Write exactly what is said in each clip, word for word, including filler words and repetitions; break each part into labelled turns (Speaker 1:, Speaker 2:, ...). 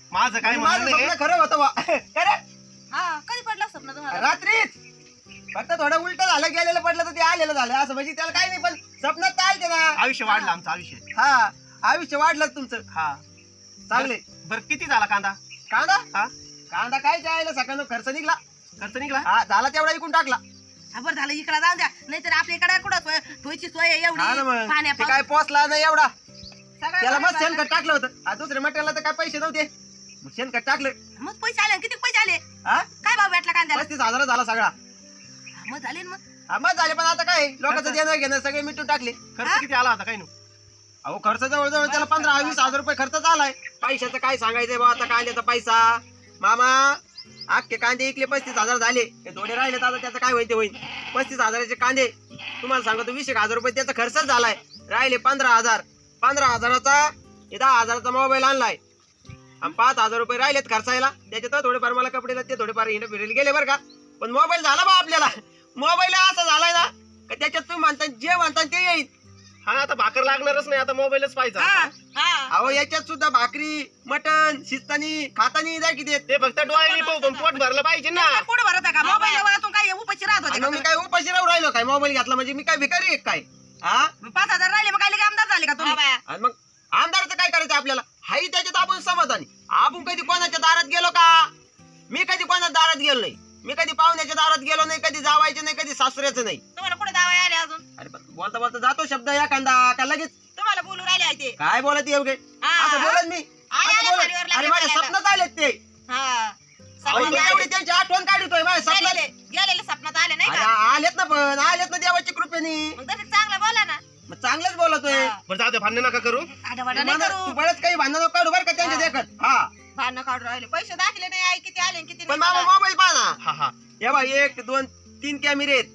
Speaker 1: माझं काय
Speaker 2: माझं
Speaker 1: म्हणणं
Speaker 2: स्वप्न खरं होतं बा. खरं
Speaker 3: हा कधी पडलं स्वप्न तुम्हाला?
Speaker 2: रात्रीच फक्त थोडं उलट झालं गेलेलं पडलं तर ते आलेलं झालं असं म्हणजे त्याला काही नाही पण स्वप्नात चालते ना.
Speaker 1: आयुष्य वाढलं आमचं आयुष्य.
Speaker 2: हा आयुष्य वाढलं तुमचं.
Speaker 1: हा
Speaker 2: चांगले.
Speaker 1: बरं किती झाला कांदा?
Speaker 2: कांदा
Speaker 1: हा
Speaker 2: कांदा काय जायला सकाळनं खर्च निघला.
Speaker 1: खर्च निघला?
Speaker 2: हा झाला तेवढा इकून टाकला.
Speaker 3: हा बरं झालं इकडे जाऊ द्या नाहीतर आपल्या इकडे कुठं सोय ठोयची सोय आहे
Speaker 2: हा ना
Speaker 3: एवढी
Speaker 2: मग.
Speaker 3: पाण्या
Speaker 2: ते काय पोचला नाही एवढा
Speaker 3: सगळं
Speaker 2: त्याला मग
Speaker 3: बरोबर
Speaker 2: शेणखत टाकलं होतं. हा दुसऱ्या मटेरियलला तर काय पैसे नव्हते मग शेणखत टाकलं.
Speaker 3: मग पैसे आले किती पैसे आले
Speaker 2: हा
Speaker 3: काय भाव भेटला कांद्याला?
Speaker 2: पस्तीस हजार झाला सगळा.
Speaker 3: हा, मग झाले ना मग
Speaker 2: हा मग झाले पण आता काय लोकांचं देणं घेणं सगळे मिटून टाकले.
Speaker 1: खर्च किती आला होता काही नाही?
Speaker 2: अहो खर्च जवळजवळ त्याला पंधरा वीस हजार रुपये खर्च झालाय. पैशाचं काय सांगायचंय बा आता कांद्याचा पैसा मामा अख्खे कांदे इकले पस्तीस हजार झाले. हे थोडे राहिले तर आता त्याचं काय होईल ते होईल. पस्तीस हजाराचे कांदे तुम्हाला सांगतो वीस एक हजार रुपये त्याचा खर्चच झालाय. राहिले पंधरा हजार. पंधरा हजाराचा हे दहा हजाराचा मोबाईल आणलाय आणि पाच हजार रुपये राहिलेत खर्चायला. त्याच्यात थोडेफार मला कपडे ते थोडेफार हिंड फिरेल गेले बरं का. पण मोबाईल झाला बा आपल्याला. मोबाईल असा झालाय ना का त्याच्यात तुम्ही म्हणता जे म्हणता ते येईल.
Speaker 1: हा आता भाकर लागणारच नाही आता मोबाईलच पाहिजे.
Speaker 3: हा हा
Speaker 2: अहो याच्यात सुद्धा भाकरी मटण शिस्तानी खातानी जाय किती
Speaker 1: ते फक्त डोळ्याने पाहू पण पोट भरलं पाहिजे ना.
Speaker 3: पुढे भरत आहे का मोबाईल वरातून काय उपाशी राहत होते
Speaker 2: आणि
Speaker 3: का
Speaker 2: मग मी
Speaker 3: तुम्ही?
Speaker 2: काय उपाशी राहू राहिलो काय मोबाईल घेतला म्हणजे मी काय भिकारी आहे काय. हा
Speaker 3: मग पाच हजार राहिले मग काय लगे आमदार झाले का तुम्ही?
Speaker 2: आणि मग आमदाराचं काय करायचं आपल्याला. हाही त्याच्यात आपण समाधानी. आपण कधी कोणाच्या दारात गेलो का? मी कधी कोणाच्या दारात गेलो नाही. मी कधी पाहुण्याच्या दारात गेलो नाही. कधी जावायचं नाही. कधी सासऱ्याचं नाही.
Speaker 3: तुम्हाला कुठे दावा आले अजून?
Speaker 2: अरे पण बोलता बोलता जातो शब्द एखादा का लगेच
Speaker 3: तुम्हाला बोलू राहिले आहे ते
Speaker 2: काय बोलत एवढे
Speaker 3: हा.
Speaker 2: असं बोलत मी
Speaker 3: आले,
Speaker 2: असं
Speaker 3: आले,
Speaker 2: बोलत.
Speaker 3: गाडीवर लागले
Speaker 2: अरे माझ्या
Speaker 3: बोलायला.
Speaker 2: स्वप्नात आलेत ते.
Speaker 3: हा
Speaker 2: अहो,
Speaker 3: सपनात
Speaker 2: मी
Speaker 3: आले.
Speaker 2: एवढी त्यांची आठवण काढतोय माझ्या स्वप्नात.
Speaker 3: गेलेले गेलेले सपनात आले नाही
Speaker 2: अरे
Speaker 3: का?
Speaker 2: आलेत ना पण आलेत ना देवाच्या कृपेने.
Speaker 3: मग तसं चांगलं बोला ना.
Speaker 2: मग चांगलंच बोलतोय.
Speaker 3: हा.
Speaker 1: बरं जाऊ दे भांडण नका करू.
Speaker 3: आडावाडा नाही
Speaker 2: मला-
Speaker 3: करू.
Speaker 2: तू बरंच काही भांडण काढू बरं का त्यांच्या
Speaker 3: हा.
Speaker 2: देखत. हा
Speaker 3: भांडणं काढून राहिले पैसे दाखले नाही आई किती आले आणि किती
Speaker 2: पण
Speaker 3: नाही
Speaker 2: मामा
Speaker 3: मला.
Speaker 2: मोबाईल पहा ना.
Speaker 1: हा हा
Speaker 2: हे बा एक दोन तीन कॅमेरे आहेत.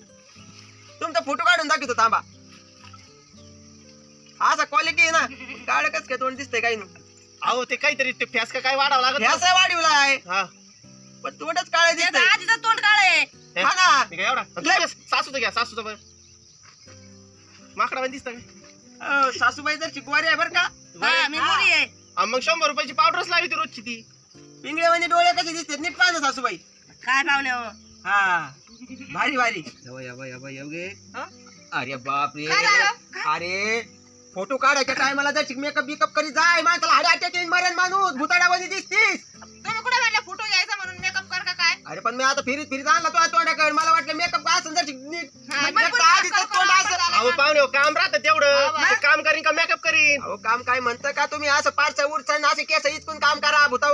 Speaker 2: तुमचा फोटो काढून दाखवतो थांबा. असा क्वालिटी आहे ना काळ कस काय तोंड दिसतंय काही नाही.
Speaker 1: अहो ते काहीतरी ते फॅस का काय वाढावं लागत.
Speaker 2: ह्याचा वाढीवलाय
Speaker 1: हा
Speaker 2: पण तोंडच काळ
Speaker 3: त्याचं
Speaker 2: दिसतंय.
Speaker 3: आजीचं तोंड काळ आहे.
Speaker 1: हे,
Speaker 2: हा ना
Speaker 1: मी काय एवढा तुझ्या सासूचं घ्या सासूचं बरं माकडा पण दिसतं का?
Speaker 2: अहो, सासूबाई तर शिकवारी आहे बरं का.
Speaker 3: हा, मी मोरी आहे.
Speaker 1: हा, मग शंभर रुपयाची पावडरच लावी ती रोजची ती.
Speaker 2: पिंगळे म्हणजे डोळे कसे दिसतात नीट पाहा ना सासूबाई.
Speaker 3: काय पाहुणे हो?
Speaker 2: हा भारी भारी. यवा, यवा, यवा, यवगे.
Speaker 3: हा?
Speaker 2: अरे बाप रे.
Speaker 3: काय झालं?
Speaker 2: अरे फोटो काढायच्या टायमाला जर मेकअप बिकअप करी जाय माणसाला हाडे अटॅक येईल मरण माणूस भुताडामध्ये दिसतीस.
Speaker 3: तुम्ही कुठे म्हणले फोटो घ्यायचा म्हणून मेकअप कर का काय?
Speaker 2: अरे पण मी आता फिरीत फिरीत आणला तो तोंडाकडे मला वाटलं मेकअप असं जर नीट
Speaker 3: हा,
Speaker 2: म्हणजे
Speaker 3: मग पुढे
Speaker 2: आधीच
Speaker 3: कर, कर,
Speaker 2: तोंड
Speaker 3: कर,
Speaker 2: असं.
Speaker 3: कर.
Speaker 1: अहो पाहुणे हो, काम राहतं तेवढं.
Speaker 3: हा,
Speaker 1: ते काम करीन का मेकअप करीन.
Speaker 2: अहो काम काय म्हणतं का तुम्ही असं पारचं उरचं असं केस इतकून काम करा भुता